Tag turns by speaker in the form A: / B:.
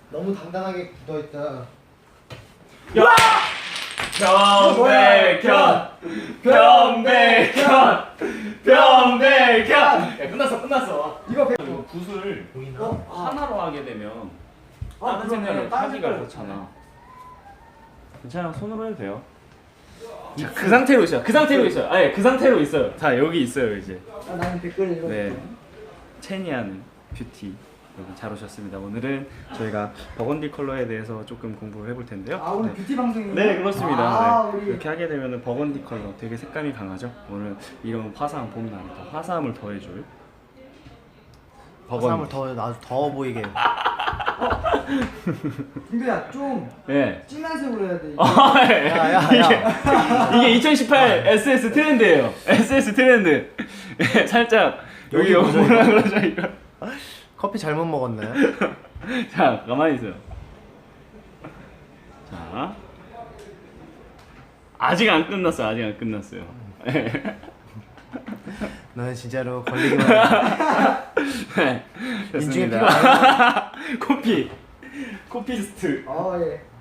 A: 너무 단단하게 굳어있다.
B: 변백현. 야 끝났어.
A: 이거
B: 이거 붓을
A: 보이나?
B: 하나로 하게 되면 다른
A: 그러네.
B: 색깔을
A: 다른
B: 하기가
A: 색깔.
B: 그렇잖아. 괜찮아, 손으로 해도 돼요. 자, 그 상태로 있어요. 그 상태로 있어요. 아예 그 상태로 있어요. 자 여기 있어요 이제.
A: 나는 댓글 읽어.
B: 네, 체니아는 뷰티 여러분 잘 오셨습니다. 오늘은 저희가 버건디 컬러에 대해서 조금 공부를 해볼 텐데요.
A: 아 오늘 뷰티 방송이에요?
B: 네 그렇습니다.
A: 아,
B: 네.
A: 우리
B: 이렇게 하게 되면 버건디 컬러 되게 색감이 강하죠. 오늘 이런 화사한 봄날에 더 화사함을 더해줄
C: 화사함을
B: 버건디.
C: 더 더워 보이게.
A: 근데야 좀
B: 네.
A: 진한 색으로 해야 돼.
C: 야야야.
B: 이게 2018 SS 트렌드예요. SS 트렌드. 살짝 여기
C: 여기
B: 뭐라 그러죠 이거.
C: 커피 잘못 먹었네.
B: 자 가만히 있어요. 자 아직 안 끝났어요.
C: 너는 진짜로 걸리기만 해.
B: 네,
C: 인중에
B: 좋습니다. 코피스트.
A: 어 예.